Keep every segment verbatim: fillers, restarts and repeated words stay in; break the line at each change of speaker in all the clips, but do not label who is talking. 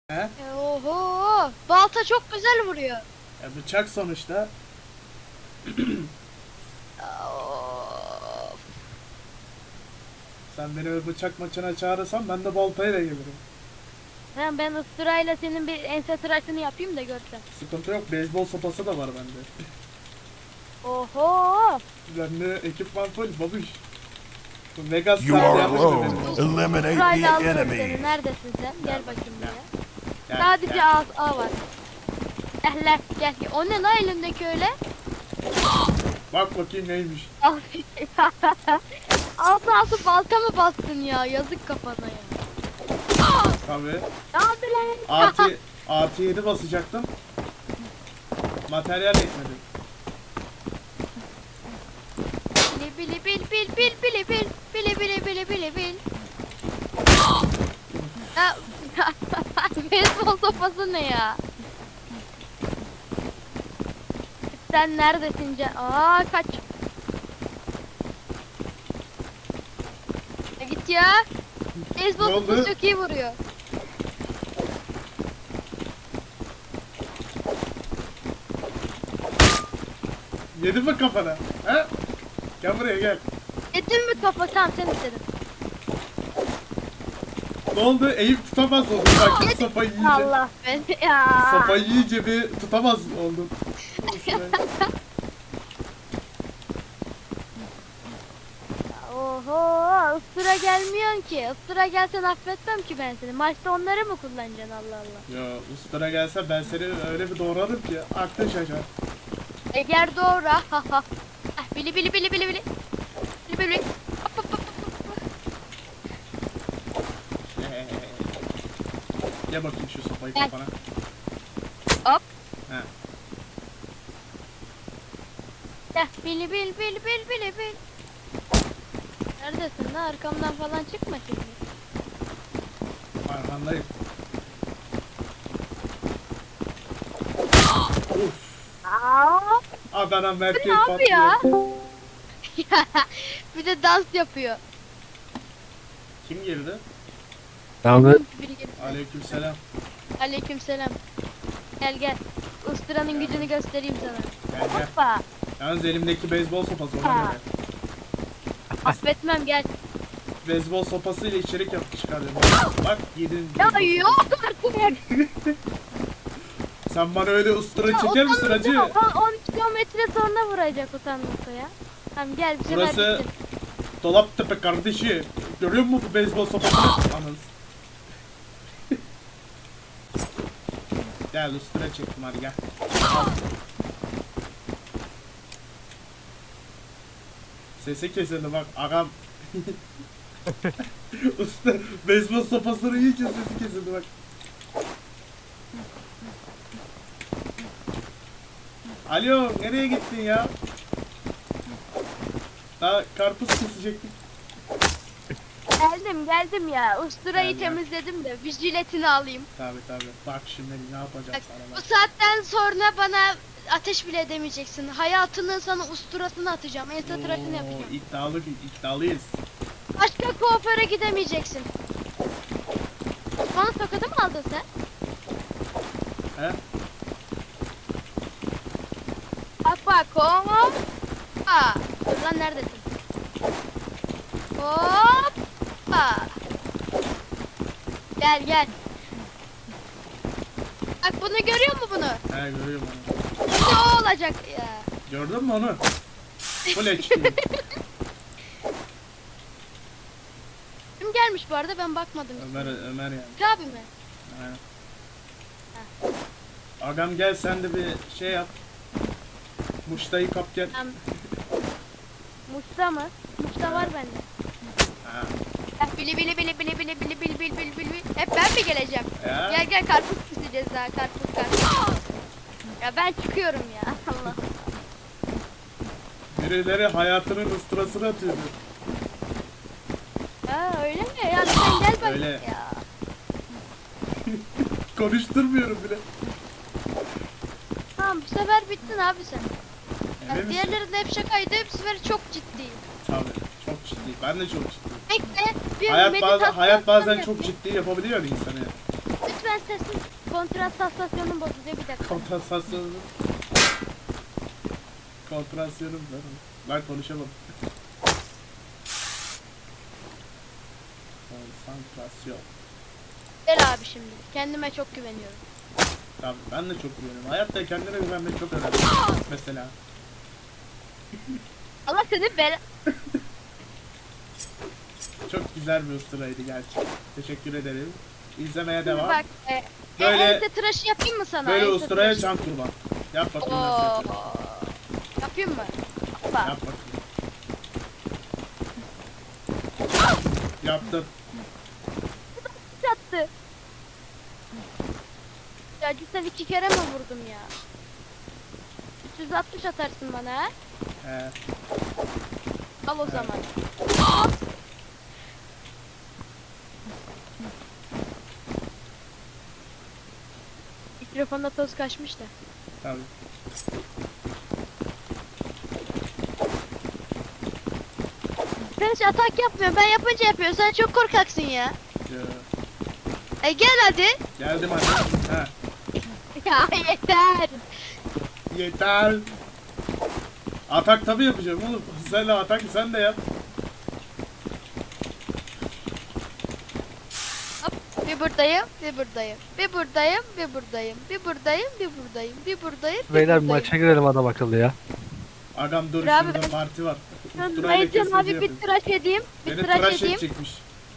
He?
Oho! Balta çok güzel vuruyor.
Ya bıçak sonuçta.
Of.
Sen beni bir bıçak maçına çağırırsan ben de baltayla gelirim.
Ben, ben ıstırayla senin bir ense tıraşını yapayım da görsen.
Sıkıntı yok. Beyzbol sopası da var bende.
Oho!
Bende ekipman full babuş. Bu Vegas
You are
yapmıştı
alone.
benim.
Eliminate
Istırayla
the
aldım seni.
enemy.
Neredesin sen? Gel bakayım
Gel,
buraya.
Gel,
Sadece
gel.
A, A var. Gel lan gel. O ne lan elindeki öyle?
Bak bakayım neymiş.
Altı altı balta mı bastın ya? Yazık kafana ya.
Tabii.
Ne yaptı lan?
Artı, artı yedi basacaktım. Materyal etmedi.
Bili bili bil bil bil bili bil bili bili bili bili bil. Ya, beyzbol sopası ne ya? Sen neredesin can? Aa kaç. Ya git ya. Beyzbol
Ne oldu?
sopası çok iyi vuruyor.
Yedi mi kafana? He? Gel buraya gel.
Yedin mi kafa? Tamam sen istedin.
Ne oldu? Eğip tutamaz oldum. Bak sopayı yiyince.
Allah beni ya.
Sopayı yiyince bir tutamaz oldum.
Oho, ısıra gelmiyorsun ki. Isıra gelsen affetmem ki ben seni. Maçta onları mı kullanacaksın Allah Allah.
Ya ustara gelse ben seni öyle bir doğrarım ki aklın şaşar.
Eğer doğru. Ha ha. Ah, bili bili bili bili bili. Bili bili bili. Hop, hop, hop, hop.
Gel bakayım şu sopayı
Gel.
kafana.
Hop.
He.
Gel. Bili bil bil bil bili bil. Neredesin lan? Arkamdan falan çıkma şimdi.
Arkandayım. Uf.
Aa,
Adana
bu
merkez
ne yapıyor?
patlıyor.
Bir de dans yapıyor.
Kim girdi?
Ahmet.
Biri gelip-
Aleykümselam.
Aleykümselam. Gel gel. Ustıranın gücünü göstereyim sana.
Gel gel.
Hoppa.
Yalnız elimdeki beyzbol sopası ona
Ha.
göre.
Affetmem gel.
Beyzbol sopasıyla içerik yap çıkardım. Bak yedin.
Ya
beyzbol
yok
sopası.
artık.
Sen bana öyle ustura çeker misin hacı?
on kilometre sonra vuracak utanmasa ya. Tamam gel bir sefer
Burası
bitsin.
Dolaptepe kardeşi. Görüyor musun bu beyzbol sopasını? Anız. Gel ustura çektim hadi gel. Sesi kesildi bak agam. Usta beyzbol sopasını yiyince sesi kesildi bak. Alo nereye gittin ya? Daha karpuz kesecektik.
Geldim geldim ya. Usturayı
Gel, gel.
temizledim de bir jiletini alayım.
Tabi tabi. Bak şimdi ne yapacağım
Bak,
sana
bu
bak.
saatten sonra bana ateş bile edemeyeceksin. Hayatının sana usturasını atacağım. Ense tıraşını yapacağım.
Oo, iddialı iddialıyız.
Başka kuaföre gidemeyeceksin. Bana tokadı mı aldın sen?
He?
Bak bak hop. Aa, dur lan neredesin? Hop. Aa. Gel gel. Bak bunu görüyor musun bunu?
He görüyorum onu.
Bu da o olacak ya.
Gördün mü onu? Full H D.
Kim gelmiş bu arada ben bakmadım.
Ömer Ömer yani.
Abi mi?
Aynen. Agam gel sen de bir şey yap. Muştayı kap gel.
Tamam. Muşta mı? Muşta var bende.
Ha.
Eh, Bili bili bili bili bili bili bili bili bili bili. Hep ben mi geleceğim?
Ya.
Gel gel karpuz keseceğiz daha karpuz karpuz. Ya ben çıkıyorum ya Allah.
Birileri hayatının ıstırasını atıyordu.
Ha öyle mi? Ya sen gel bak
Öyle.
ya.
Konuşturmuyorum bile.
Tamam bu sefer bittin abi sen.
Emin
Ya,
misin?
diğerleri de hep şakaydı bu sefer çok ciddi.
Tabii. Çok ciddi. Ben de çok ciddiyim.
Bekle bir
Hayat bazen
meditasyon
hayat bazen
yapayım.
çok ciddi yapabiliyor insanı.
Lütfen Sen sesin kontrastasyonun bozuluyor bir dakika.
Kontrasasyonum. Kontrasyonum ben. Ben konuşamam. Konsantrasyon.
Gel abi şimdi. Kendime çok güveniyorum.
Tabii ben de çok güveniyorum. Hayatta kendine güvenmek çok önemli. Mesela.
Allah seni bela...
Çok güzel bir usturaydı gerçekten. Teşekkür ederim. İzlemeye
Şimdi
devam.
bak. E,
Böyle-
e, ense tıraşı yapayım mı sana?
Böyle
Ense
usturaya
tıraşı.
can kurban. Yap bakayım nasıl
Oo.
yapıyorsun.
Yapayım mı? Hoppa.
Yap bakayım. Yaptım.
Çattı. Ya cidden iki kere mi vurdum ya? üç yüz altmış atarsın bana ha?
He.
Al o zaman. Mikrofonda toz kaçmış da.
Tabii.
Sen hiç atak yapmıyorsun. Ben yapınca yapıyorsun. Sen çok korkaksın ya.
Ya.
E gel hadi.
Geldim hadi. He.
Ya yeter.
Yeter. Atak tabii yapacağım oğlum. Sen de atak sen de yap.
Hop, bir buradayım, bir buradayım. Bir buradayım, bir buradayım. Bir buradayım, bir buradayım. Bir buradayım, bir
Beyler bir
buradayım.
maça girelim adam akıllı ya.
Agam dur
Dur abi,
şurada
ben-
parti var.
Ben
Usturayla
Maycan
kesmece
abi bir
yapıyoruz.
tıraş edeyim. Bir
Beni
tıraş,
tıraş
edeyim.
edecekmiş.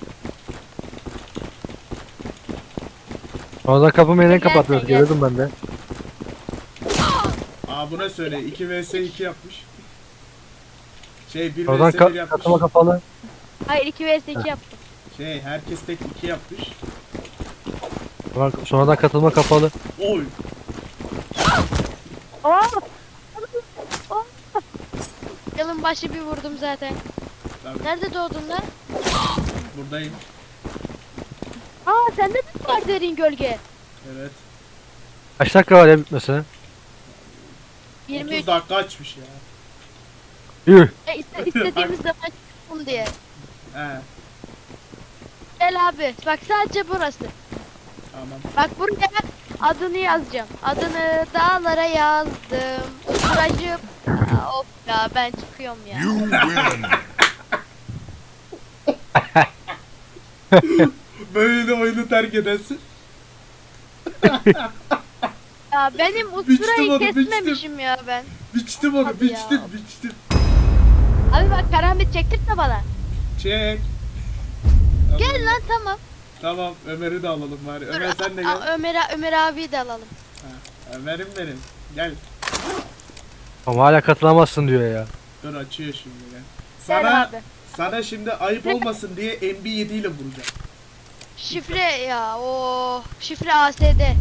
Oradan kapımı yine
Gel,
kapatıyoruz.
gel.
Gördüm ben de.
Aa buna söyle iki vs iki yapmış. Şey bir
Oradan
vs bir
ka
yapmış.
katılma kapalı.
Hayır iki vs iki yaptım.
Şey herkes tek iki yapmış.
Sonra- Sonradan katılma kapalı.
Oy.
Oh! Oh! Yılın başı bir vurdum zaten.
Tabii,
Nerede doğdun lan?
buradayım.
Aa sende de var derin gölge.
Evet.
Kaç dakika var ya bitmesine?
yirmi üç.
otuz dakika açmış ya.
Yuh.
E, iste- istediğimiz zaman çıksın diye.
He
Gel abi. Bak sadece burası.
tamam.
Bak buraya adını yazacağım. Adını dağlara yazdım. Usturacı. Aa, of ya ben çıkıyorum ya.
You win.
Böyle de oyunu terk edersin.
Ya benim
Biçtim
usturayı
onu,
kesmemişim ya ben.
Biçtim onu
Hadi ya.
biçtim biçtim.
Abi bak karambit çektirtme bana.
Çek.
Gel lan tamam.
Tamam Ömer'i de alalım bari.
Dur,
Ömer sen de
a-
gel.
a- Ömer, Ömer abiyi de alalım.
Ha, Ömer'im benim. Gel.
Ama hala katılamazsın diyor ya.
Dur açıyor şimdi gel.
Gel
Sana
abi.
sana şimdi ayıp olmasın diye M B yedi ile vuracağım.
Şifre ya o şifre A S D.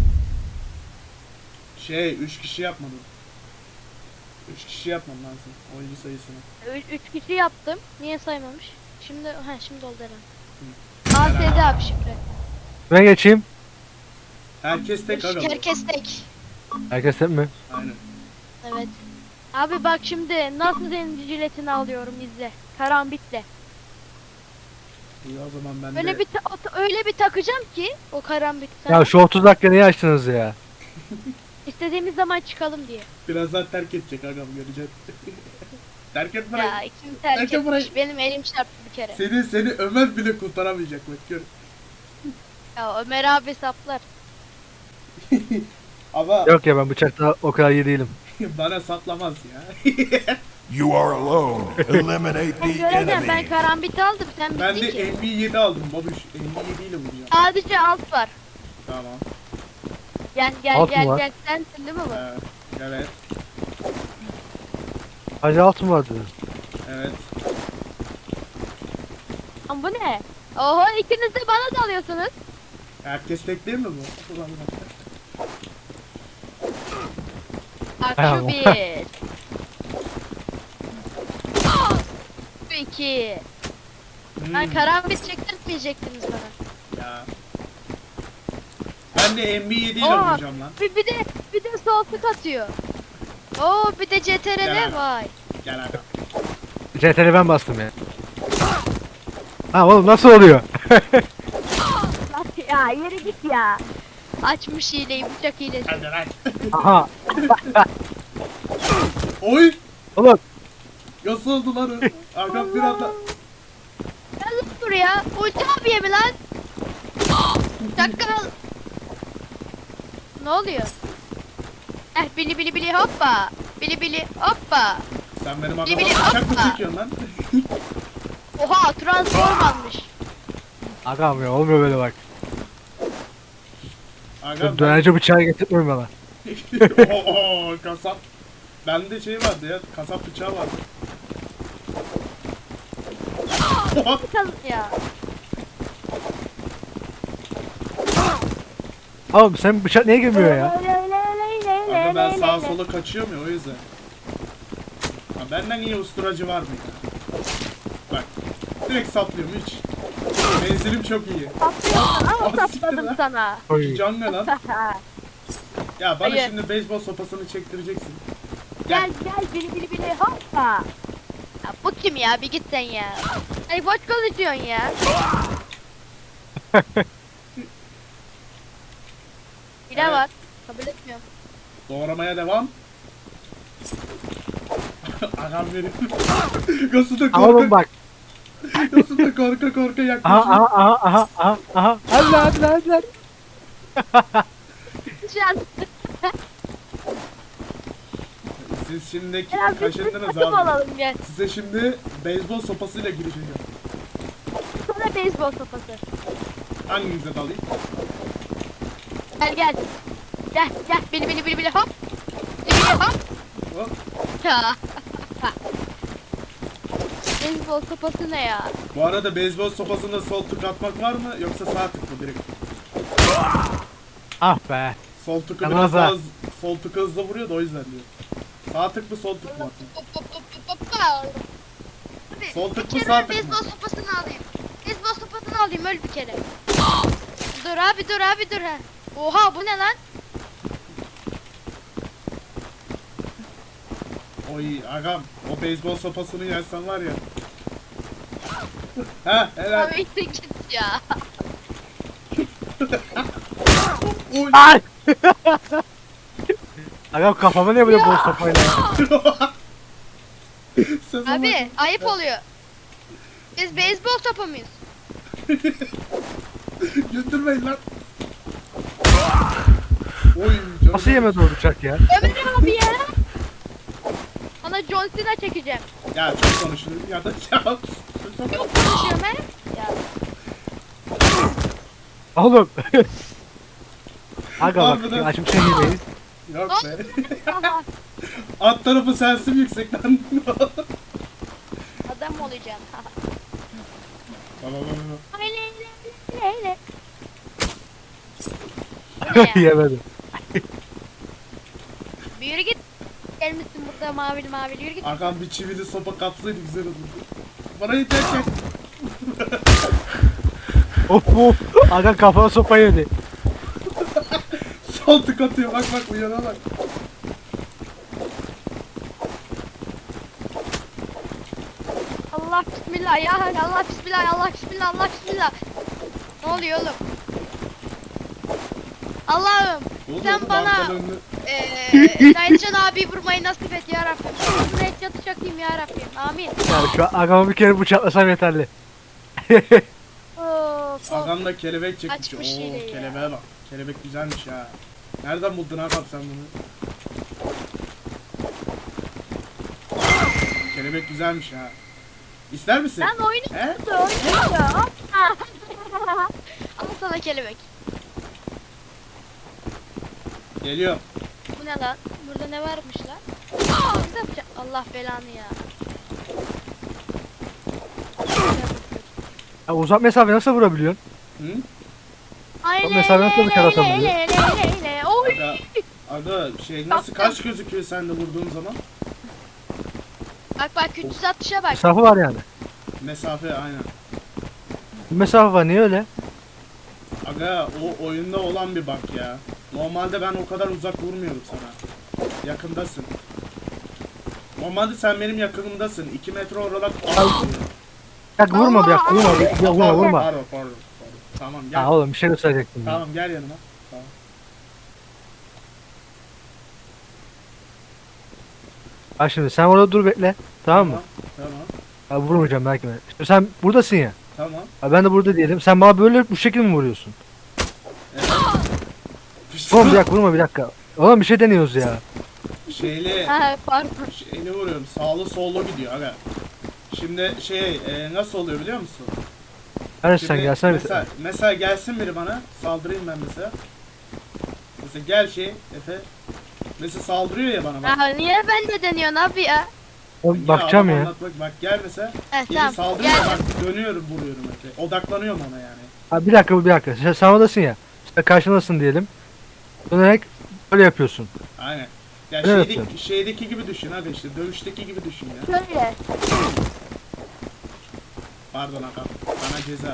Şey üç kişi yapmadım. üç kişi yapmam lazım oyuncu sayısını.
Ü- Üç kişi yaptım. Niye saymamış? Şimdi ha şimdi oldu herhalde. A S D abi şifre.
Ben geçeyim.
Herkes tek aga. bu.
Herkes tek.
Herkes hep mi?
Aynen.
Evet. Abi bak şimdi nasıl senin jiletini alıyorum izle. Karambitle.
İyi o zaman ben
Öyle
de
bir ta- o- öyle bir takacağım ki o karambit
Ya
sana.
şu otuz dakika niye açtınız ya?
İstediğimiz zaman çıkalım diye.
birazdan terk edecek agam göreceğiz. terk et bırak.
Ya kim terk
Belki
etmiş?
burayı-
Benim elim çarptı bir kere.
Seni seni Ömer bile kurtaramayacak bak gör.
Ya Ömer abi saplar.
Ama
Yok ya ben bıçakta o kadar iyi değilim.
bana saplamaz ya.
You are alone. Eliminate
Ben
the
göreceğim ben
enemy.
karambit aldım sen
ben
bittin
de
ki.
M B yedi aldım babuş. M B yedi ile vuracağım.
Sadece alt var.
Tamam.
Gel gel
Alt mı
gel
var?
gel sensin değil mi bu?
Ee, evet.
Hacı altın var dedi.
Evet.
Ama bu ne? Oho ikiniz de bana dalıyorsunuz.
Herkes tek değil mi bu? Ulan bak.
Bak
Tamam.
şu bir. Şu iki.
Hmm,
Lan karambit çektirtmeyecektiniz bana.
ya. Ben de M B yedi ile
Oo,
vuracağım lan.
Bir, bir de bir de sol tık atıyor. Oo bir de C T R
Gel
L
abi.
vay.
Gel aga.
C T R L ben bastım ya. Ha oğlum nasıl oluyor?
Ya yürü git ya. Açmış hileyi, bıçak hilesi.
Hadi lan.
Aha.
Oy.
Oğlum.
Nasıl oldu lan o? Agam bir anda.
Gel lan buraya. Ulti abiye mi lan? Çakal. Ne oluyor? Eh bili bili bili hoppa. Bili bili hoppa.
Sen benim
Bili
agama
bili
bıçak mı
hoppa.
çekiyorsun lan?
Oha transform almış.
Agam ya olmuyor böyle bak.
Agam
Şu dönerci bıçağı getirtmiyor bana.
Oo kasap. Bende şey vardı ya, kasap bıçağı vardı.
Kız ya.
Oğlum sen bıçak niye girmiyor ya?
Aga ben sağa sola kaçıyorum ya o yüzden. Ha, benden iyi usturacı var mı ya? Bak. Direkt saplıyorum hiç. Menzilim çok iyi.
Saplıyorsun ama
Ah, siktir
sapladım
lan.
sana.
Oy.
Can ne lan? Ya bana
Hayır.
şimdi beyzbol sopasını çektireceksin.
Gel gel bili bili bili hoppa. Ya bu kim ya, bir git sen ya. Ay boş konuşuyorsun ya. Hile
Evet.
var. Kabul etmiyorum.
Doğramaya devam. Agam benim. Nasıl da
Oğlum
korka,
bak.
nasıl da korka korka
Aha
yaklaşıyor.
aha aha aha aha aha. Hadi lan hadi lan hadi lan.
Şu an
Siz şimdi
biraz bir
kaşındınız
takım
abi.
olalım gel.
Size şimdi beyzbol sopasıyla gireceğim.
Sana beyzbol sopası.
Hanginize dalayım?
Gel gel. Gel gel bili bili bili bili hop. Bili bili hop.
Hop.
Ya. Beyzbol sopası ne ya?
Bu arada beyzbol sopasında sol tık atmak var mı yoksa sağ tık mı direkt?
Ah be.
Sol tıkı
Yalnız
biraz
ha.
daha hız, sol tıkı hızlı vuruyor da o yüzden diyor. Sağ tık mı sol tık mı atayım?
Hop hop hop hop hop. Abi,
Sol tık
bir
mı,
kere
sağ tık mı?
beyzbol sopasını alayım. Beyzbol sopasını alayım öl bir kere. Dur abi dur abi dur ha. Oha bu ne lan?
Oy agam o beyzbol sopasını yersen var ya. Ha helal.
Abi git ya.
Oy.
Ay. Agam kafama niye böyle bol sopayla ya?
Sezon
Abi ayıp oluyor. Biz beyzbol topu muyuz?
Götürmeyin lan. Oy canım.
Nasıl yemedi o bıçak ya?
Ömer abi ya. Ona John Cena çekeceğim.
Ya çok konuşulur ya da ya.
Yok konuşuyorum he. Ya.
Oğlum. Aga
Harbiden.
bak açmış en iyi değil.
Yok be.
Aha,
Alt tarafı sensin yüksekten.
adam olacağım.
Baba baba.
Öyle öyle öyle. Bu ne ya?
Yemedi.
Bir yürü git. Gelmişsin burada mavili mavili yürü git.
Agam bir çivili sopa kapsaydı güzel olurdu. Bana yeter ki.
Of of. Aga kafama sopa yedi.
Sol tık atıyor bak bak uyana bak.
Allah bismillah ya Allah bismillah Allah bismillah Allah bismillah. Ne oluyor oğlum? Allah'ım
Oğlum,
sen
oğlum,
bana
arkadan önüne-
eee Naycan abi vurmayı nasip et ya Rabbim. Bunu et yatı çakayım ya Rabbim. Amin.
Yani şu an agama bir kere bıçaklasam yeterli.
Of of.
Agam da kelebek çekmiş.
Açmış
Oo
yine ya.
kelebeğe bak. Kelebek güzelmiş ha. Nereden buldun Agam sen bunu? Kelebek güzelmiş ha. İster misin?
Lan oyunu
He?
tuttu oyunu tuttu. Hop. Al sana kelebek.
Geliyor.
Bu ne lan? Burada ne varmış lan? Burada bıçak. Allah belanı ya.
Ya uzak mesafe nasıl vurabiliyorsun?
Hı?
Aynen.
mesela nasıl bıçak atabiliyor?
Oy.
Aga, aga şey nasıl kaç gözüküyor sende vurduğun zaman?
Bak bak üç yüz altmışa bak.
Mesafe var yani.
Mesafe aynen.
Bir mesafe var niye öyle?
Aga o oyunda olan bir bak ya. Normalde ben o kadar uzak vurmuyorum sana. Yakındasın. Normalde sen benim yakınımdasın. iki metre oralar.
Ya vurma bir dakika vurma bir, ya vurma vurma.
Pardon pardon. pardon. Tamam gel.
Ha oğlum bir şey gösterecektim. ya.
Tamam gel yanıma. Tamam.
Bak şimdi sen orada dur bekle. Tamam mı?
Tamam.
Abi vurmayacağım belki ben. İşte sen buradasın ya.
Tamam.
Abi ben de burada diyelim. Sen bana böyle bu şekilde mi vuruyorsun?
Evet.
Oğlum bir dakika vurma bir dakika. Oğlum bir şey deniyoruz ya.
Şeyli,
Ha pardon.
şeyli vuruyorum. Sağlı sollu gidiyor aga. Şimdi şey e, nasıl oluyor biliyor musun?
Hadi sen
Şimdi
gelsene bir
mesela, mesela gelsin biri bana. Saldırayım ben mesela. Mesela gel şey Efe. Mesela saldırıyor ya bana bak.
Ha, niye ben de deniyorsun abi ya?
Oğlum bakacağım
adam
ya.
anlatmak- Bak gel mesela.
He
Biri
tamam.
saldırıyor
Gel.
bak dönüyorum vuruyorum Efe. Odaklanıyorum ona yani.
Abi bir dakika bir dakika. Sen, sen oradasın ya. İşte karşındasın diyelim. Dönerek böyle yapıyorsun.
Aynen. Ya
Evet.
şeydeki, şeydeki gibi düşün abi işte dövüşteki gibi düşün ya.
Şöyle.
Pardon aga. Bana ceza.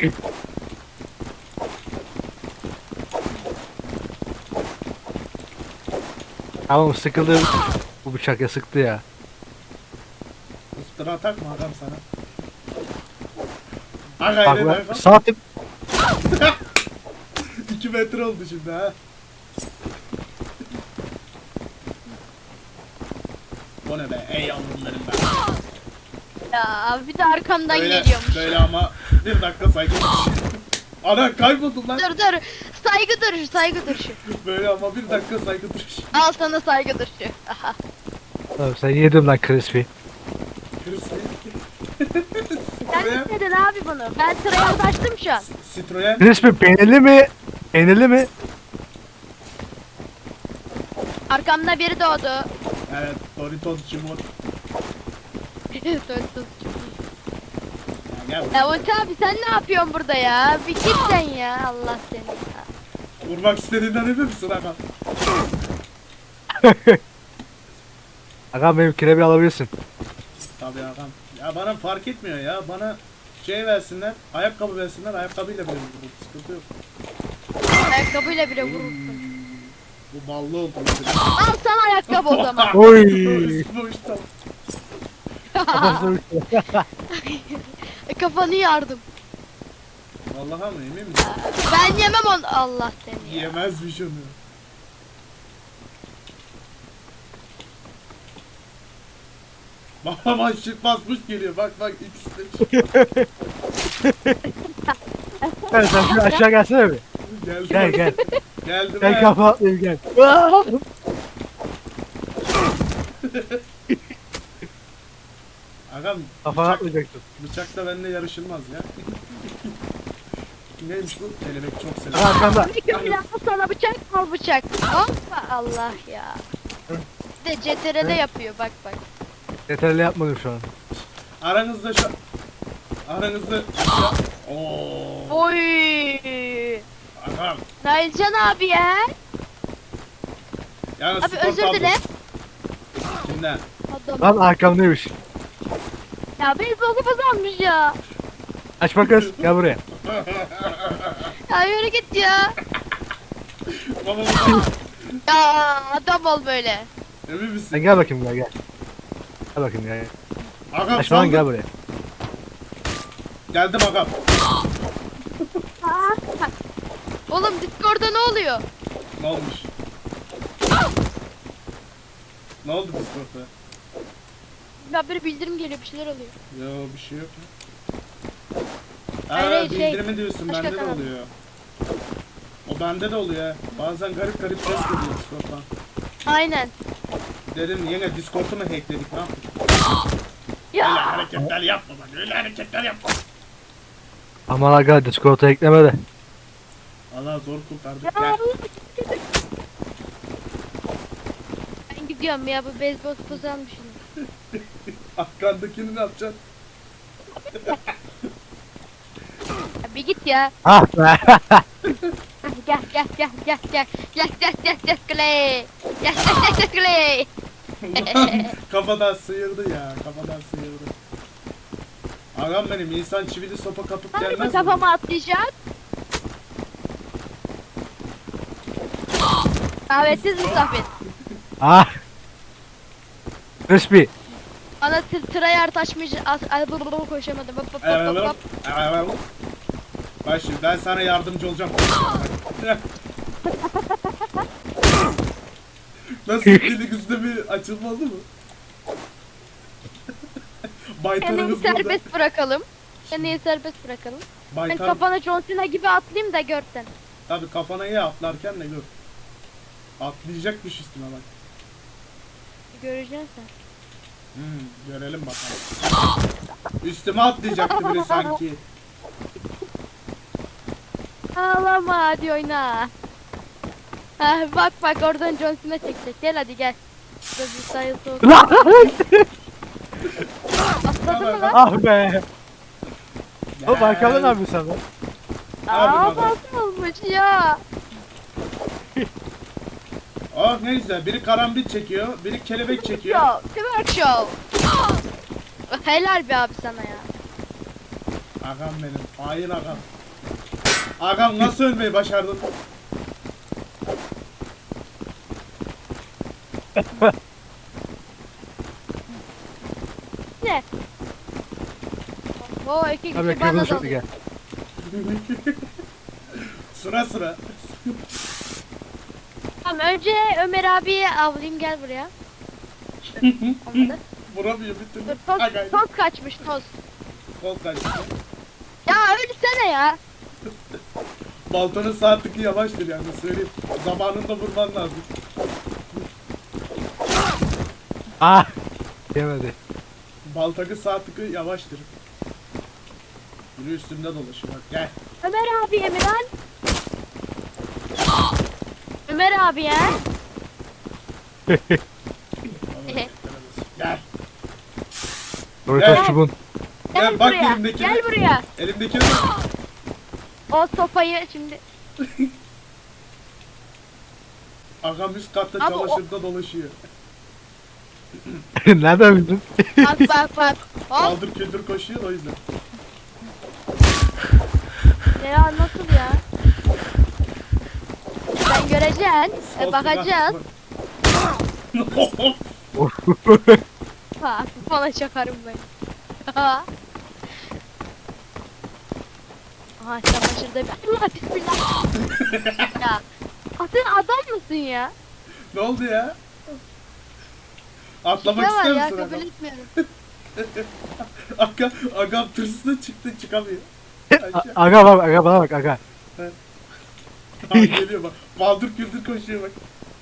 Tamam sıkıldı. Bu bıçak ya sıktı ya.
Iftira atak mı adam sana? Aga
Bak
yine
ben
bak.
sağ tık.
iki metre oldu şimdi ha. O ne be? Ey yavrularım be.
Ya bir de arkamdan
Böyle,
geliyormuş.
böyle ama bir dakika saygı duruş. Ana kayboldum lan.
Dur dur. Saygı duruşu, saygı duruşu.
Böyle ama bir dakika saygı duruş.
Al sana saygı duruşu. Aha.
Tamam sen yedim lan crispy.
Sen istedin abi bunu. Ben sıraya ulaştım şu an.
Citroen.
Crispy peynirli mi? Peynirli mi?
Arkamda biri doğdu.
Evet, Doritos Cimot.
Dur, dur.
Ya gel
Ya Ulti abi sen ne yapıyorsun burada ya? Bir git sen ya. Allah seni ya.
vurmak istediğinden emin misin aga?
Agam benim kirebi alabilirsin.
Tabii agam. Ya bana fark etmiyor ya. Bana şey versinler, ayakkabı versinler, ayakkabıyla bile vururum. Sıkıntı yok.
Ayakkabıyla bile vurursun.
Bu ballı oldu mesela.
Al sana ayakkabı o zaman.
Oy.
Üstüme uçtu.
Kafanı yardım.
Vallahi mı emin misin?
Ben yemem onu. Allah seni ya.
Yemezmiş onu. Baba bak şık basmış geliyor. Bak bak ikisi de çık-
Gel sen şöyle aşağı gelsene bir.
Geldi.
Gel gel.
Geldi
Gel
be.
kafa atlayayım gel.
Agam
Kafa
bıçak,
atlayacaksın.
bıçakla benimle yarışılmaz ya. Neymiş bu? Kelebek çok
Aga
sever.
arkanda.
Bir köprü al sana bıçak al bıçak. Hoppa Allah ya. Bir de C T R L yapıyor bak bak.
Yeterli yapmadım şu an.
Aranızda şu... Aranızda... Ooo.
Oy.
Agam.
Nailcan abi ya.
Yani
Abi
skor
özür
tablosu.
dile.
Kimden?
Adam.
Lan arkamdaymış.
Ya beyzbol kupası almış ya.
Açma kız gel buraya.
Ya yürü git ya.
Baba baba.
Ya adam ol böyle.
Emin misin?
Sen gel bakayım gel gel. Gel bakayım gel.
Agam
Açma lan
saldır.
gel buraya.
Geldim agam.
Oğlum Discord'da ne oluyor?
Ne olmuş? Ne oldu Discord'da?
Ya bir bildirim geliyor bir şeyler oluyor.
Yo bir şey yok ya.
Hayır,
Aa
hayır, şey,
bildirimi diyorsun
başka
bende de
kanal.
oluyor. O bende de oluyor ha. Bazen garip garip ses geliyor Discord'dan.
Aynen.
Dedim yine Discord'u mu hackledik ne yaptık? Öyle
Ya
hareketler yapma bak öyle hareketler yapma.
Aman aga Discord'a ekleme de.
Allah zor kurtardık
Ya
gel.
ben gidiyorum ya bu beyzbol kupası almışım.
Arkandakini ne yapacaksın?
Ya bir git ya.
Ah be.
Gel gel gel gel gel gel gel gel gel Clay. Gel gel gel gel Clay.
Ulan kafadan sıyırdı ya kafadan sıyırdı. Ağam benim insan çivili sopa kapıp
Hani
gelmez
bu
mi?
kafama atlayacak? Davetsiz misafir.
Ah. Crispy.
Bana tır tırayar taşmayacak. Ay bu bu koşamadım. Hop hop hop hop
Evet,
hop.
evet. Bak şimdi ben sana yardımcı olacağım. Nasıl dili güzde bir açılma oldu mu? Baytarımız
Kendini
burada.
serbest bırakalım. Kendini serbest bırakalım. Ben
Baytar...
kafana John Cena gibi atlayayım da görsen.
Tabii kafana iyi atlarken de gör. Atlayacakmış üstüne bak.
Göreceksin sen.
Hmm, görelim bakalım. Üstüme atlayacaktı biri sanki.
Ağlama hadi oyna. Ha, bak bak oradan John Cena çekecek. Gel hadi gel. Burada bir sayı soğuk.
Lan!
Atladın mı lan?
Ah be. Oğlum
Gel.
arkamda ne yapıyorsun sen lan?
Aa
Abi baba.
nasıl olmuş ya?
Oh ne güzel. Biri karambit çekiyor, biri kelebek çekiyor.
Show, twerk show. Helal be abi sana ya.
Agam benim. Hain agam. Agam nasıl ölmeyi başardın?
Ne? Oo iki kişi
Abi
bana
kırmızı
dalıyor.
gel.
Sıra sıra.
Tamam önce Ömer abiyi avlayayım gel buraya. Olmadı.
Vuramıyor bir türlü.
Dur toz,
Agay.
toz kaçmış toz.
Kol kaçtı.
Ya ölsene ya.
Baltanın sağ tıkı yavaştır yani söyleyeyim. Zamanında vurman lazım.
Ah! Yemedi.
Baltakı sağ tıkı yavaştır. Biri üstümde dolaşıyor bak gel.
Ömer abi Emirhan. Ömer abi ya.
Gel.
Doritos
Gel.
çubuğun.
Gel,
Gel bak
buraya.
elimdekine.
Gel buraya.
Elimdekine bak.
O sopayı şimdi.
Agam üst katta
Abi o-
çamaşırda dolaşıyor.
Nereden bildin?
Bak bak bak. Hop.
Kaldır küldür koşuyor da o yüzden.
Ya nasıl ya? Sen göreceksin. E, bakacağız. Ha, bana çakarım ben. Aha çamaşırda bir... Allah bismillah. Ya. Ah, sen adam mısın ya?
Ne oldu ya? Atlamak
Ne var
ister
ya
misin
kabul
agam?
etmiyorum.
Agam, agam tırsına çıktı çıkamıyor.
A-
Aşağı.
Aga bak, aga bana bak aga.
Ha, geliyor bak. Baldır küldür koşuyor bak.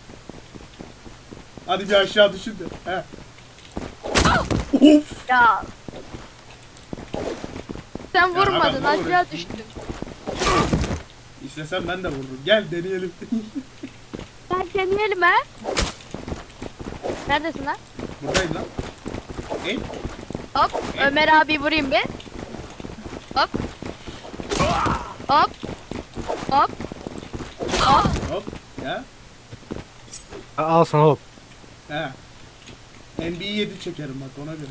Hadi bir aşağı düşün de. He. Of.
Ya. Sen
Ya
vurmadın
adam, ne
aşağı
vuruyorsun?
düştün.
İstesem ben de vururum. Gel deneyelim.
Sen deneyelim ha. Neredesin lan?
Buradayım lan. E?
Hop Ömer abi vurayım bir. Hop. Hop. Hop. Hop.
Hop. Ya.
A- Al sana hop.
He. N B A yedi çekerim bak ona göre.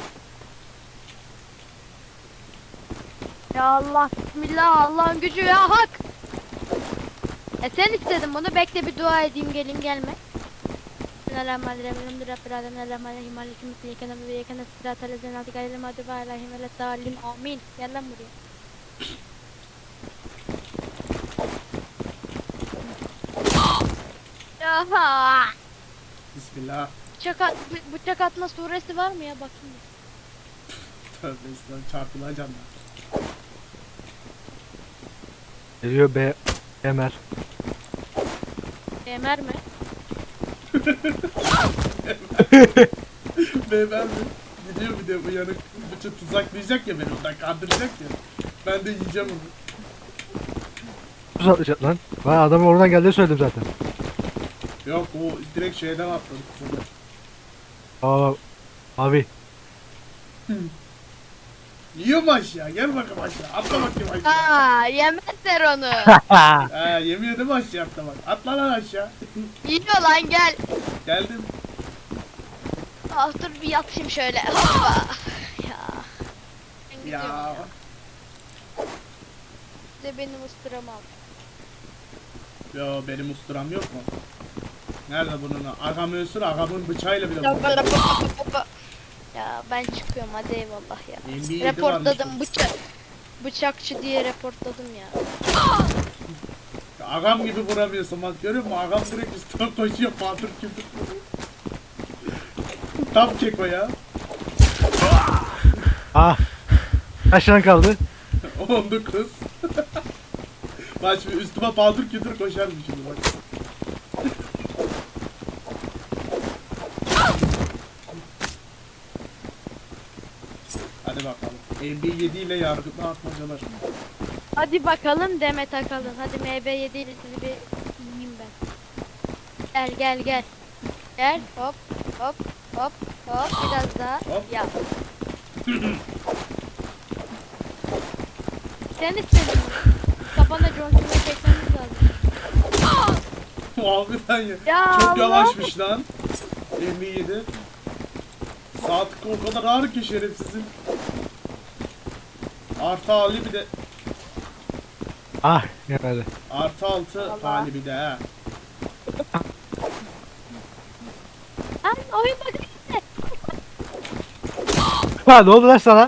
Ya Allah bismillah Allah'ın gücü ya hak. E sen istedin bunu bekle bir dua edeyim gelin gelme. Bismillahirrahmanirrahim. Elhamdülillahi Rabbil alemin. Errahmanirrahim. Malikim mulki yekene ve yekene sıratal lezine adik ayrı mağdubi aleyhim ve leddallin. Amin. Gel lan buraya. Aha.
Bismillah.
Bıçak, at, bı- bıçak atma suresi var mı ya bakayım.
Tövbe islam çarpılacağım ben.
Geliyor B. Emer.
Emer mi?
Beyefendi gidiyor bir de uyanık bütün tuzaklayacak ya beni ondan kandıracak ya. Ben de yiyeceğim onu.
Tuz atlayacak lan. Ben adamın oradan geldiğini söyledim zaten.
Yok o direkt şeyden atladı kızım.
Aa, abi.
Yiyor mu aşağı? Gel bakalım aşağı. Atla bakayım aşağı.
Aa yemezler onu.
He yemiyor değil mi aşağı atlamak? Atla lan aşağı.
Yiyor lan gel.
Geldim.
Ah dur bir yatayım şöyle. Hoppa. Ya. Ben gidiyorum
Ya.
ya. De benim ıstıramam.
Yo benim usturam yok mu? Nerede bunun? Agam ölsün agamın bıçağıyla bile
Ya,
vurur.
böyle hoppa hoppa. Ya ben çıkıyorum hadi eyvallah ya.
N B A yedi
Reportladım
varmış
bıçak. Bıçakçı diye reportladım ya.
Ya agam gibi vuramıyorsun bak görüyor musun? Agam direkt üstüne koşuyor patır küldür. Tam keko ya.
Ah. Kaç tane kaldı?
on dokuz. Bak şimdi üstüme paldır kütür koşarım şimdi bak. Hadi bakalım. M B yedi ile yargıtma atmacalar.
Hadi bakalım Demet Akalın. Hadi M B yedi ile sizi bir yiyeyim ben. Gel gel gel. Gel hop hop hop hop biraz daha
Hop.
yap. Sen istedin mi? Kafana John Cena'yı çekmemiz lazım.
Harbiden ya.
Ya
Çok
Allah.
yavaşmış lan. M B yedi. Saat o kadar ağır ki şerefsizin. Artı hali bir de
Ah gelmedi.
artı altı
Allah.
hali bir de ha.
Lan oyun bakın.
Ha ne oldu lan sana?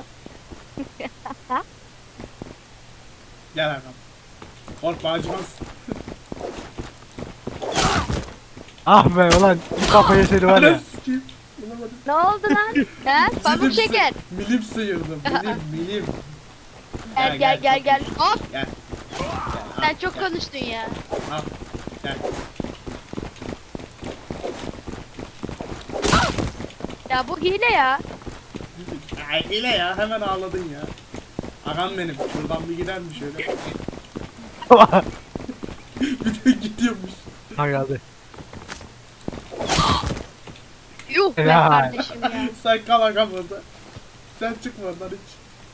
Gel Hakan. Korkma acımaz.
Ah be ulan bir kafayı seni var ya.
Anam sikeyim. Bulamadım.
Ne oldu lan? He? Pamuk
Milim
şeker.
sı- Milim sıyırdım. Milim milim.
Gel gel gel gel. Hop.
Gel.
Sen çok konuştun ya.
Al. Gel.
Ya bu hile ya.
Ay hile ya hemen ağladın ya. Ağam benim. Şuradan bir gider mi şöyle? Bir de gidiyormuş.
Ha geldi.
Yuh be
Ya.
kardeşim ya.
Sen kal ağam orada. Sen çıkma oradan hiç.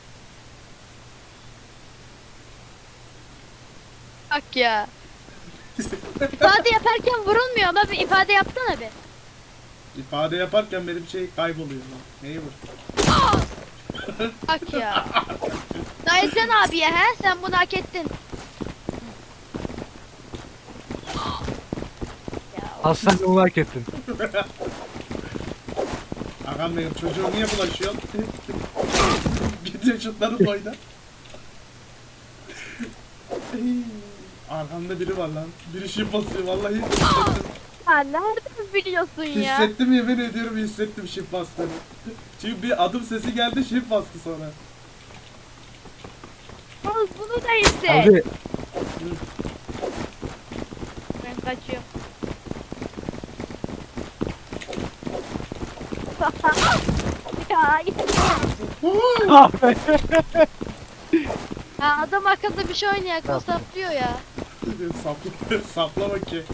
Bak ya. İfade yaparken vurulmuyor ama bir ifade yapsana bir.
İfade yaparken benim şey kayboluyor lan. Neyi vur?
Bak ya. Dayıcan abiye he sen bunu hak ettin. Ya o-
Aslan onu hak ettin.
Ağam benim çocuğu niye bulaşıyor? Gidiyor şutları boyda. Arkamda biri var lan. Biri şif basıyor vallahi hissettim.
Ha nereden biliyorsun ya?
Hissettim yemin ediyorum hissettim şif bastığını. Çünkü bir adım sesi geldi şif bastı sonra.
Al bunu da hisset.
Hadi.
Ben kaçıyorum. Ya,
Ah be.
ya adam akıllı bir şey oynayak o saplıyor ya.
Sapla, saplama ki.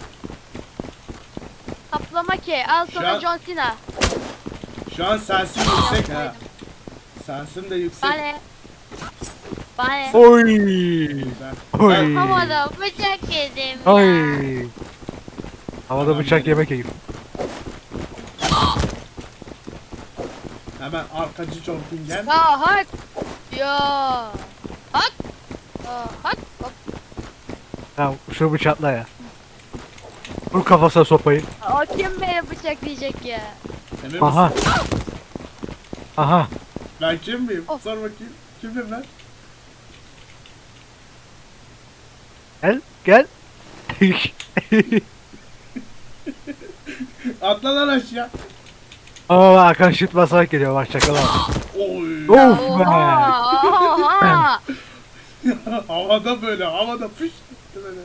Saplama ki al
Şu
sana
an-
John Cena.
Şu an sensin yüksek ha. Sensin de yüksek.
Bana. Bana.
Oy.
Güzel.
Oy.
Ben-
Havada bıçak yedim ya.
Oy. Havada bıçak yemek yiyip.
Hemen arkacı jumping gel.
Ya hak. Ya. Hak. Ya hak. Hop.
Tamam şunu bıçakla ya. Vur kafasına sopayı.
O kim beni bıçaklayacak ya?
Emin misin?
Aha. Aha.
Ben kim miyim?
Of.
Sor bakayım. Kimim ben?
Gel gel.
Atla lan aşağı.
Aa Hakan şut basarak geliyor bak çakala.
Oy.
Of be.
Oha. Oha.
Havada böyle havada pış gitti böyle.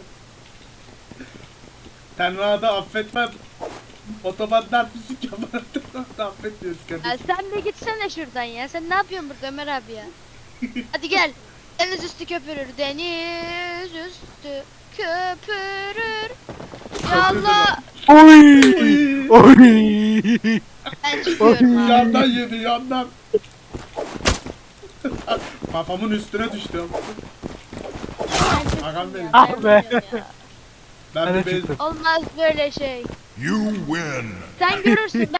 Tenra'da affetmem. Otobandan müzik yapan Tenra'da affetmiyoruz
Ya
kardeşim.
sen de gitsene şuradan ya. Sen ne yapıyorsun burada Ömer abi ya? Hadi gel. Deniz üstü köpürür. Deniz üstü köpürür. Ya Allah.
Oy. Oy.
Ben çıkıyorum abi.
Yandan yedi yandan. Kafamın üstüne düştü.
Ben çıktım
Agam
ya,
benim.
Ah be.
dayanamıyorum ya.
Ben
Ben
bir
de
bez...
çıktım.
Olmaz böyle şey.
You win.
Sen görürsün.